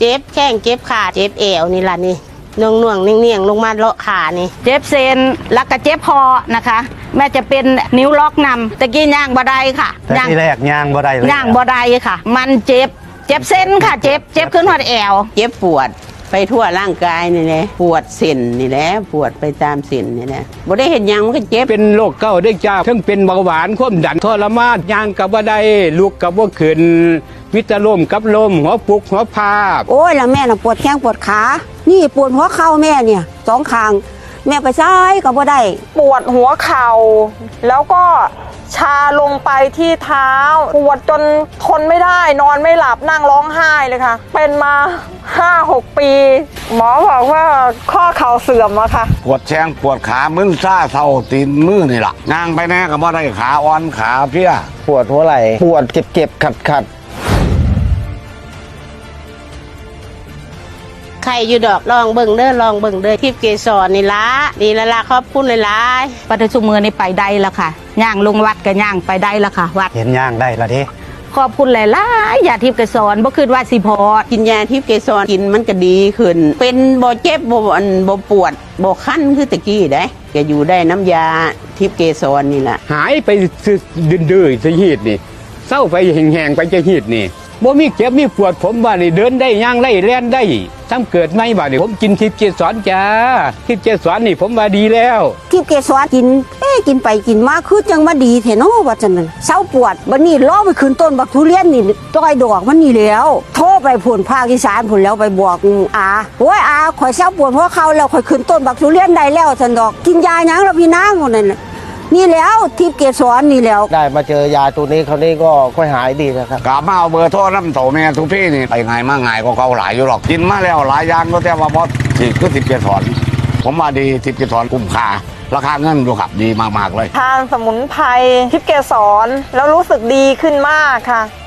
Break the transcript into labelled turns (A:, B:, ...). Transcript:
A: เจ็บแข้งเจ็บขาเจ็บเอวนี่ล่ะนี่น่วงๆเนียงๆลงมาเลาะขานี่
B: เจ็บเซนแล้วก็เจ็บคอนะคะแม่จะเป็นนิ้วล็อกนำตะกี้ย่างบ่ได้ค่ะ
C: แต่ที่แรกย่างบ่ได้เลย
B: ย่างบ่ได้ค่ะมันเจ็บเส้นค่ะเจ็บขึ้นหัวแอว
A: เจ็บปวดไปทั่วร่างกายนี่แหละปวดเส้นนี่แหละปวดไปตามเส้นนี่แหละบ่ได้เห็นยังมันก็เจ็บ
D: เป็นโรคเก้าได้จ้าทั้งเป็นเบาหวานความดันทรมานย่างกับว่าได้ลุกกับว่าขึ้นมิตรลมกับลมหัวปุกหัวพาบ
E: โอ้ยแล้วแม่น่ะปวดแข้งปวดขานี่ปวดหัวเข่าแม่เนี่ย2 ข้างแม่ไปซ้ายก็บ่ได้
F: ปวดหัวเข่าแล้วก็ชาลงไปที่เท้าปวดจนทนไม่ได้นอนไม่หลับนั่งร้องไห้เลยค่ะเป็นมา 5-6 ปีหมอบอกว่าข้อเข่าเสื่อมอะค่ะ
G: ปวดแข้งปวดขามึนซ่าเท่าตีนมือนี่ล่ะงางไปแน่ก็บ่ได้ขาอ่อนขาเพี้ย
C: ปวดหัวไหล่ปวดเจ็บขัด
A: ใครอยู่ดอกลองเบิ่งเด้อทิพย์เกสรนี่ละขอบคุณหลาย
B: ๆปัจจุบันนี้ไปได้แล้วค่ะย่างลงวัดก็ย่างไปได้แล้วค่ะวัด
C: เห็นย่างได้ละเด้
B: ขอบคุณหลายๆยาทิพย์เกสรบ่คิดว่าสิพอ
A: กินยาทิพย์เกสรกินมันก็ดีขึ้นเป็นบ่เจ็บบ่ปวดบ่คันคือตะกี้ได้ก็อยู่ได้น้ำยาทิพย์เกสรนี่ล่ะ
D: หายไปดื้อๆจะหีดนี่เศร้าไปแห้งๆไปจะหีดนี่บ่มีเจ็บมีปวดผมว่านี่เดินได้ย่างไล่แล่นได้ทำเกิดไม่บ่านี่ผมกินทิพย์เกสรจ้าทิพย์เกสรนี่ผมว่าดีแล้ว
E: ทิพย์เกสรกินไปกินมาคือจังว่าดีแท้เนาะว่าจังนั้นเศร้าปวดบัดนี้ล้อไปขึ้นต้นบักทุเรียนนี่ต้อยดอกมันนี่แล้วโทรไปผลภาคอีสานผลแล้วไปบอกอาโอ้ยอาข่อยเศร้าปวดเพราะเขาแล้วข่อยขึ้นต้นบักทุเรียนได้แล้วซั่นดอกกินยาหยังแล้วพี่นางคนนั้นนี่แล้วทิพย์เกสรนี่แล้ว
C: ได้มาเจอยาตัวนี้เขานี่ก็ค่อยหายดีนะครับ
G: กลับมาเอาเบอร์โทรน้ำโตแม่ทุกพี่นี่ไปไงมาไงก็เขาหลายอยู่หรอกกินมาแล้วหลายอย่างก็แต่ว่าพอสิคือทิพย์เกสรผมว่าดีทิพย์เกสรคุ้มค่าราคาเงินดูครับดีมากๆเลย
F: ทานสมุนไพรทิพย์เกสรแล้วรู้สึกดีขึ้นมากค่ะ